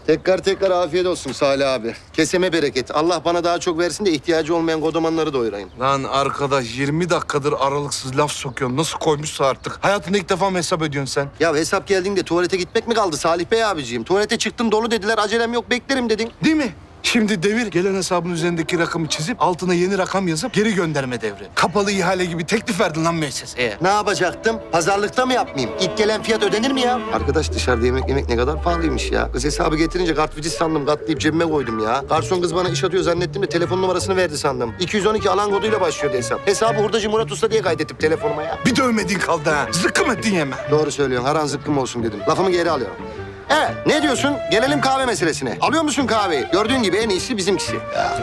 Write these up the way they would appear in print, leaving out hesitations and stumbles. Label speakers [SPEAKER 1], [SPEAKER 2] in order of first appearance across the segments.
[SPEAKER 1] Tekrar afiyet olsun Salih abi. Keseme bereket. Allah bana daha çok versin de ihtiyacı olmayan kodomanları doyurayım.
[SPEAKER 2] Lan arkadaş 20 dakikadır aralıksız laf sokuyorsun. Nasıl koymuşsa artık. Hayatında ilk defa mı hesap ediyorsun sen?
[SPEAKER 1] Ya hesap geldiğinde tuvalete gitmek mi kaldı Salih Bey abiciğim? Tuvalete çıktım dolu dediler, acelem yok beklerim dedin.
[SPEAKER 2] Değil mi? Şimdi devir gelen hesabın üzerindeki rakamı çizip altına yeni rakam yazıp geri gönderme devri. Kapalı ihale gibi teklif verdin lan müesseseye.
[SPEAKER 1] Ne yapacaktım? Pazarlıkta mı yapmayayım? İlk gelen fiyat ödenir mi ya? Arkadaş dışarıda yemek ne kadar pahalıymış ya. Kız hesabı getirince kartvizit sandım, katlayıp cebime koydum ya. Garson kız bana iş atıyor zannettim de telefon numarasını verdi sandım. 212 alan koduyla başlıyordu hesap. Hesabı hurdacı Murat Usta diye kaydettim telefonuma ya.
[SPEAKER 2] Bir dövmediğin kaldı ha. Zıkkım ettin yeme.
[SPEAKER 1] Doğru söylüyorsun. Haran zıkkım olsun dedim. Lafımı geri alıyorum. Evet, ne diyorsun? Gelelim kahve meselesine. Alıyor musun kahveyi? Gördüğün gibi en iyisi bizimkisi.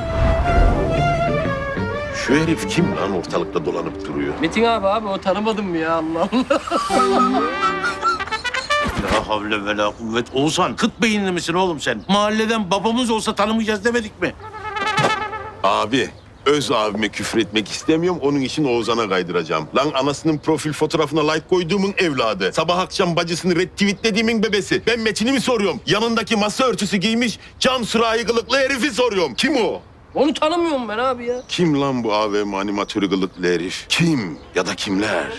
[SPEAKER 3] Şu herif kim lan ortalıkta dolanıp duruyor?
[SPEAKER 4] Metin abi o tanımadın mı ya Allah Allah.
[SPEAKER 3] La havle ve la kuvvet. Oğuzhan kıt beyinli misin oğlum sen? Mahalleden babamız olsa tanımayacağız demedik mi?
[SPEAKER 5] Abi, öz abime küfür etmek istemiyorum. Onun için Oğuzhan'a kaydıracağım. Lan anasının profil fotoğrafına like koyduğumun evladı. Sabah akşam bacısını retweetlediğimin bebesi. Ben Metin'i mi soruyorum? Yanındaki masa örtüsü giymiş cam sürahi kılıklı herifi soruyorum. Kim o?
[SPEAKER 4] Onu tanımıyorum ben abi ya.
[SPEAKER 5] Kim lan bu AVM animatörü kılıklı herif? Kim ya da kimler?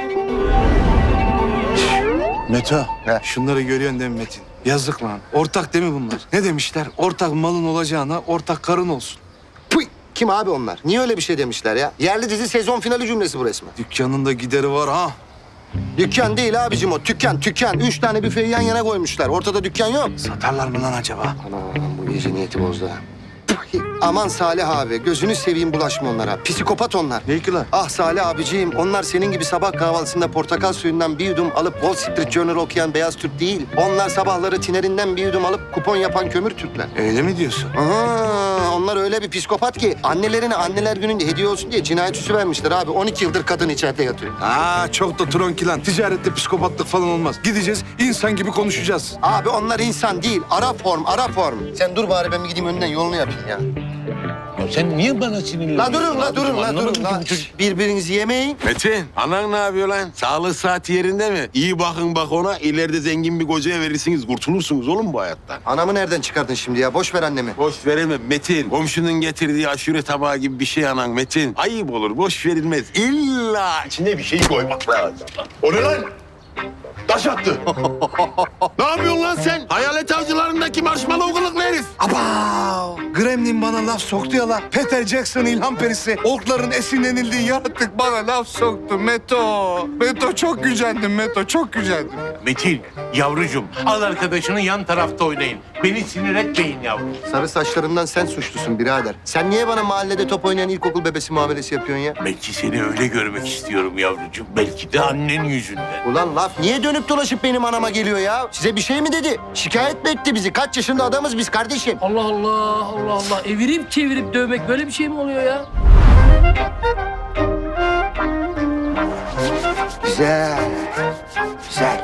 [SPEAKER 2] Meto, şunları görüyorsun değil mi Metin? Yazık lan. Ortak değil mi bunlar? Ne demişler? Ortak malın olacağına ortak karın olsun.
[SPEAKER 1] Puy! Kim abi onlar? Niye öyle bir şey demişler ya? Yerli dizi sezon finali cümlesi bu resmen.
[SPEAKER 2] Dükkanın da gideri var ha.
[SPEAKER 1] Dükkan değil abicim o. Tükkan. 3 tane büfeyi yan yana koymuşlar. Ortada dükkan yok.
[SPEAKER 2] Satarlar mı lan acaba?
[SPEAKER 1] Anam bu iyice niyeti bozdu ha. Puy! Aman Salih abi, gözünü seveyim bulaşma onlara. Psikopat onlar.
[SPEAKER 2] Ne ki lan?
[SPEAKER 1] Ah Salih abiciğim, onlar senin gibi sabah kahvaltısında portakal suyundan bir yudum alıp Wall Street Journal okuyan beyaz Türk değil. Onlar sabahları tinerinden bir yudum alıp kupon yapan kömür Türkler.
[SPEAKER 2] Öyle mi diyorsun?
[SPEAKER 1] Aha, onlar öyle bir psikopat ki annelerine anneler gününde hediye olsun diye cinayet süsü vermişler abi. 12 yıldır kadın içeride yatıyor.
[SPEAKER 2] Çok da tronki lan. Ticarette psikopatlık falan olmaz. Gideceğiz, insan gibi konuşacağız.
[SPEAKER 1] Abi onlar insan değil, ara form. Sen dur bari ben bir gideyim önden yolunu yapayım ya.
[SPEAKER 3] Ya sen niye bana sinirleniyorsun?
[SPEAKER 1] La durun.
[SPEAKER 3] Anlamadım ki bu çocuk.
[SPEAKER 1] Birbirinizi yemeyin.
[SPEAKER 5] Metin, anan ne yapıyor lan? Sağlık saati yerinde mi? İyi bakın bak ona. İleride zengin bir kocaya verirsiniz. Kurtulursunuz oğlum bu hayattan.
[SPEAKER 1] Anamı nereden çıkardın şimdi ya? Boş ver annemi.
[SPEAKER 5] Boş veremem Metin. Komşunun getirdiği aşure tabağı gibi bir şey anan Metin. Ayıp olur, boş verilmez. İlla içine bir şey koymak lazım. O ne lan? Taş attı. Ne yapıyorsun lan sen? Hayalet avcılarındaki marshmallow kılıklı herif.
[SPEAKER 2] Abav! Gremlin bana laf soktu ya la. Peter Jackson ilham perisi. Orkların esinlenildiği yaratık bana laf soktu Meto. Meto çok gücendim Meto, çok gücendim.
[SPEAKER 6] Metin, yavrucuğum al arkadaşını yan tarafta oynayın. Beni sinir etmeyin yavrum.
[SPEAKER 1] Sarı saçlarından sen suçlusun birader. Sen niye bana mahallede top oynayan ilkokul bebesi muamelesi yapıyorsun ya?
[SPEAKER 6] Belki seni öyle görmek istiyorum yavrucuğum. Belki de annen yüzünden.
[SPEAKER 1] Ulan laf niye dönüp dolaşıp benim anama geliyor ya? Size bir şey mi dedi? Şikayet mi etti bizi? Kaç yaşında adamız biz kardeşim?
[SPEAKER 4] Allah Allah. Evirip çevirip dövmek böyle bir şey mi oluyor ya?
[SPEAKER 1] Güzel.